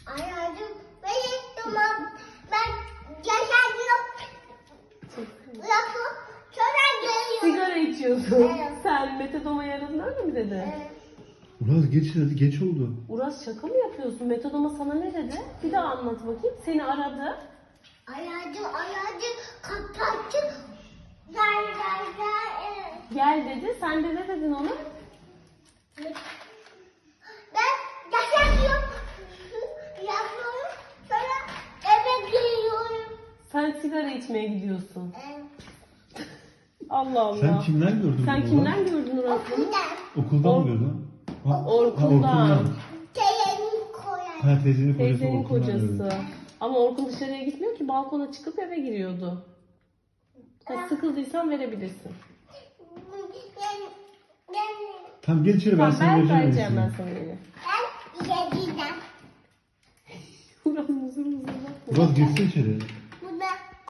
Ayağım benim tamam. Ben yaşadım. Lafı sonra geliyor. Sigara içiyorsun. Evet. Sen metadona yaradın öyle mi dedi? Uraz geç hadi, geç oldu. Uras şaka mı yapıyorsun? Metadona sana ne dedi? Bir daha anlat bakayım. Seni aradı. Ayağım kapattı. Gel. Gel dedi. Sen de ne dedin ona? Ben yaşadım. Yapıyorum. Sonra eve geliyorum. Sen sigara içmeye gidiyorsun. Allah Allah. Sen kimden gördün Sen bunu kimden Uraz? gördün Uras bunu? Okuldan mı gördün? Ha, Orkun'dan. Telenin koyar. Ha, teyzenin kocası. Teyzenin Orkun'dan gördün. kocası. Ama Orkun dışarıya gitmiyor ki, balkona çıkıp eve giriyordu. Sıkıldıysan verebilirsin. Tamam gel içeri, ben Tamam, sana ben vereceğim. vereceğim ben hepsini. sana yine. Ben yediden. Uras muzur muzur bakma. Uraz geçsene içeri.